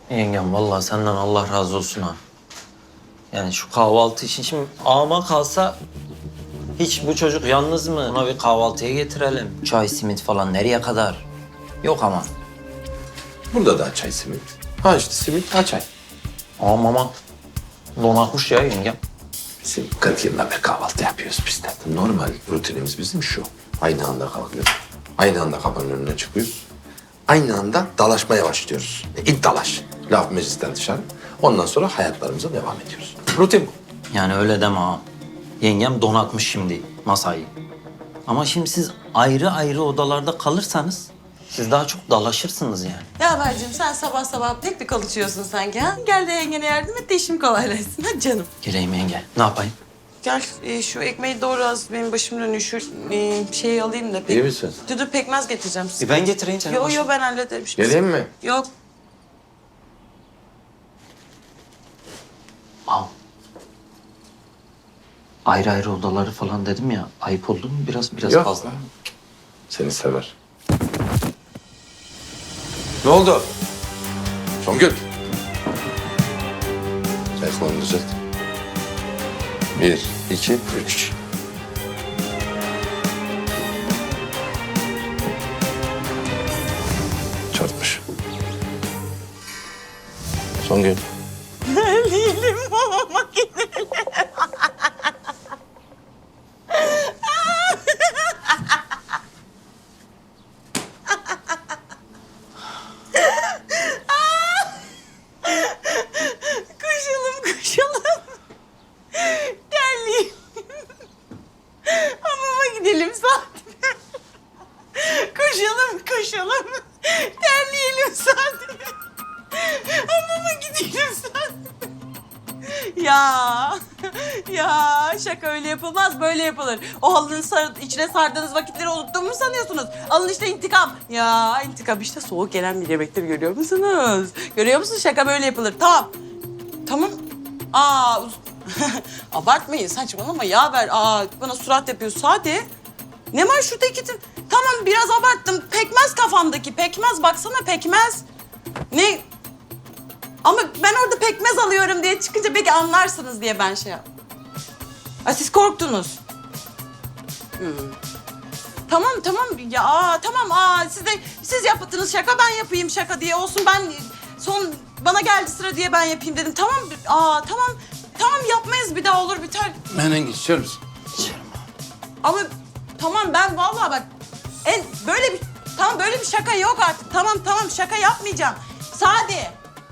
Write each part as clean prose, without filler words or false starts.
Yengem vallahi senden Allah razı olsun ha. Yani şu kahvaltı için şimdi ağama kalsa hiç bu çocuk yalnız mı? Ona bir kahvaltıya getirelim. Çay, simit falan nereye kadar? Yok ama. Burada da çay simit. Ha işte simit, ha çay. Ağam ama donatmış ya yengem. Bizim 40 yıldan beri kahvaltı yapıyoruz biz de. Normal rutinimiz bizim şu. Aynı anda kalkıyoruz. Aynı anda kapının önüne çıkıyoruz. Aynı anda dalaşmaya başlıyoruz. İlk dalaş. Laf meclisten dışarı. Ondan sonra hayatlarımıza devam ediyoruz. Rutin bu. Yani öyle deme ağam. Yengem donatmış şimdi masayı. Ama şimdi siz ayrı ayrı odalarda kalırsanız siz daha çok dalaşırsınız yani. Ya Haberciğim sen sabah sabah pek bir konuşuyorsun sanki ha. Gel de yengene yardım et de işim kolaylaşsın. Hadi canım. Geleyim yenge. Ne yapayım? Gel şu ekmeği doğru az benim başım dönüyor. Şu şeyi alayım da. İyi misin? Dur pekmez getireceğim size. Ben getireyim seni. Yo ben hallederim. Geleyim mi? Yok. Ağam. Ayrı ayrı odaları falan dedim ya. Ayıp oldu mu biraz Yok. fazla mı? Seni sever. Ne oldu? Songül. Telefonunu düzelt. 1, 2, 3. Çarpmış. Songül. Değilim ama makineli. Koşalım. Terliyim. Hamama gidelim Sadi. Koşalım. Terleyelim Sadi. Hamama gidelim Sadi. Ya şaka öyle yapılmaz, böyle yapılır. O halının içine sardığınız vakitleri unuttuğumu mu sanıyorsunuz? Alın işte intikam. Ya intikam işte soğuk gelen bir yemektir, görüyor musunuz? Görüyor musunuz? Şaka böyle yapılır. Tamam. Abartmayın, saçmalama ya ver. Bana surat yapıyorsun. Hadi. Ne var şurada Tamam biraz abarttım. Pekmez kafamdaki. Pekmez baksana pekmez. Ne? Ama ben orada pekmez alıyorum diye çıkınca belki anlarsınız diye ben şey yaptım. Siz korktunuz. Tamam. Ya tamam. Siz yaptınız şaka, ben yapayım şaka diye olsun. Bana geldi sıra diye ben yapayım dedim. Tamam. Tamam yapmayız bir daha, olur biter. Menengiç içer misin? Ama tamam ben vallahi bak böyle bir şaka yok artık. Tamam şaka yapmayacağım. Sadi.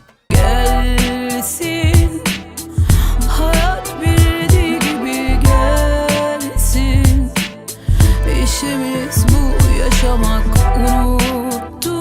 Gelsin, hayat bildiği gibi gelsin. İşimiz bu, yaşamak unuttum.